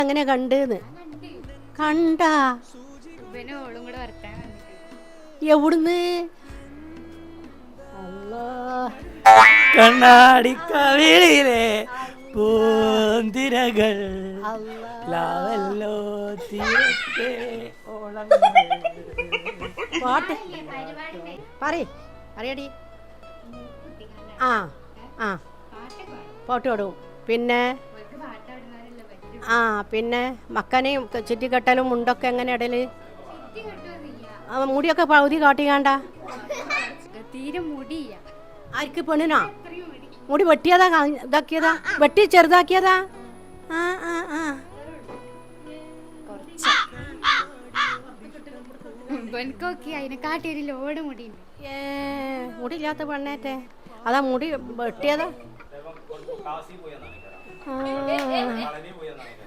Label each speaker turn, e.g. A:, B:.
A: അങ്ങനെ കണ്ടെന്ന് കണ്ടാ എവിടുന്ന്
B: കണ്ണാടി കവിളിലെ പൂന്തിരകൾ ലാവല്ലോ തീരത്തെ ഓളങ്ങൾ.
A: പാട്ട് പറയടി. ആ ആ പാട്ട് പാടും. പിന്നെ പിന്നെ മക്കനെയും ചുറ്റിക്കെട്ടലും മുണ്ടൊക്കെ എങ്ങനെ ഇടല്? മുടിയൊക്കെ പകുതി കാട്ടിക്കാണ്ട.
C: തീരെ മുടിയ
A: ആർക്ക് പെണ്ണിനാ? മുടി വെട്ടിയതാ ഇതാക്കിയതാ? വെട്ടി ചെറുതാക്കിയതാ? ആ ആ ആ
C: എനിക്കൊക്കെ അതിനെ കാട്ടി ഒരു ലോഡ് മുടി.
A: മുടിയില്ലാത്ത പെണ്ണേറ്റെ അതാ മുടി വെട്ടിയതാ.